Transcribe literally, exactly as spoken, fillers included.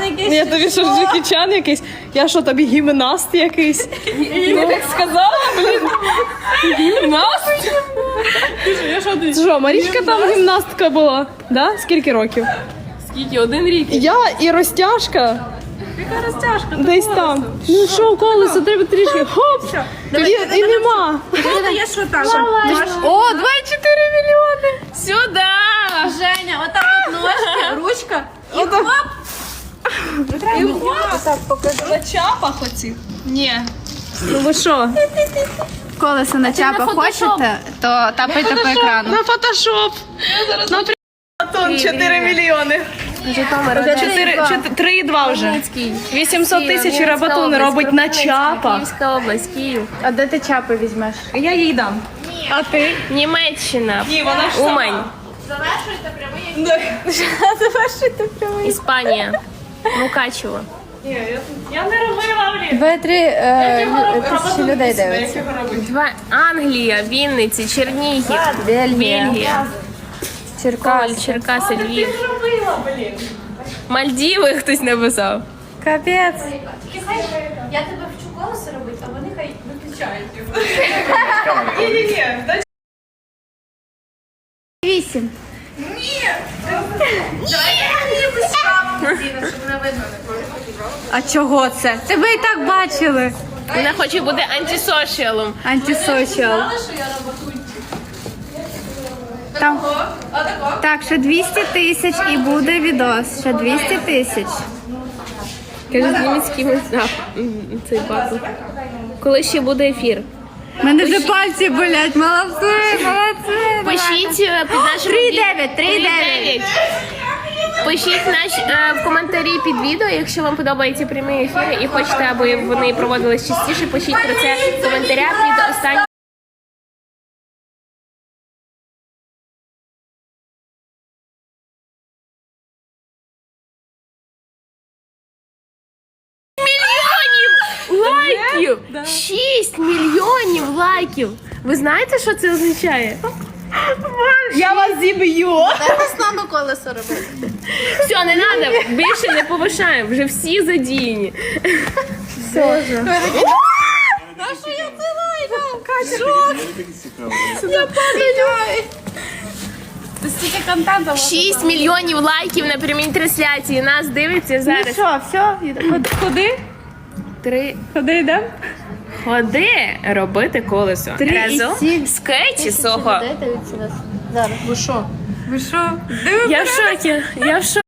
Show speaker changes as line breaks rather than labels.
Я тобі що, Джекі Чан якийсь? Я що, тобі гімнаст якийсь?
Я так сказала, блін. Гімнаст?
Це що, Марічка там гімнастка була? Да? Скільки років?
Скільки? Один рік.
Я і розтяжка.
Яка розтяжка?
Десь там. Ну що, колесо, треба трішки. Хоп! І, і нема.
Я що там?
О, двадцять чотири мільйони.
Сюди!
Женя, вот так вот ножки, ручка.
І хлоп!
И вот так покажи.
На чапах оці? Ні.
Ну ви що?
Колесо на чапа хочете, то тапайте по екрану.
На фотошоп. На Антон, чотири мільйони. три і два вже. вісімсот тисяч Рабатун робить на чапах.
Київська область, Київ.
А де ти чапи візьмеш?
Я їй дам. А ти?
Німеччина.
Ні, вона ж
Умань.
Завершуйте прямий.
Іспанія. Мукачево.
Я не робила, блін.
Дві-три е, тисячі людей дивиться.
Два. Англія, Вінниці, Чернігів,
Бельгія.
Бельгія,
Черкас.
Коваль, Черкаси, Львів. Мальдіви хтось написав.
Капець.
Я тебе вчу колесо робити, а вони хай виключають його.
Ні-ні-ні.
Вісім. А чого це? Тебе і так бачили.
Вона хоче бути антисошіалом.
Антисоціал. Там. Так, ще двісті тисяч і буде відос. Ще двісті тисяч.
Каже, зніміть з кимось а, м, цей батл. Коли ще буде ефір?
У мене вже пальці болять. Молодці, молодці.
Пишіть е, під нашим
три
ві-
дев'ять, три дев'ять.
Пишіть наш, е, в коментарі під відео, якщо вам подобаються прямі ефіри і хочете, аби вони проводились частіше, пишіть про це в коментарях під останнім. Лайків! шість мільйонів лайків! Ви знаєте, що це означає?
Я вас зіб'ю.
Слабо колесо робити.
Все, не треба, більше не повишаємо, вже всі задіяні.
Стільки контенту.
шість мільйонів лайків на прямій трансляції. Нас дивиться зараз.
Що, все? Куди?
Три.
Куди йдемо?
Ходи робити колесо.
Три і
Разом
сім.
з Кеті Сохо.
Зараз. Ви що? Ви що?
Я в шокі, я в шокі.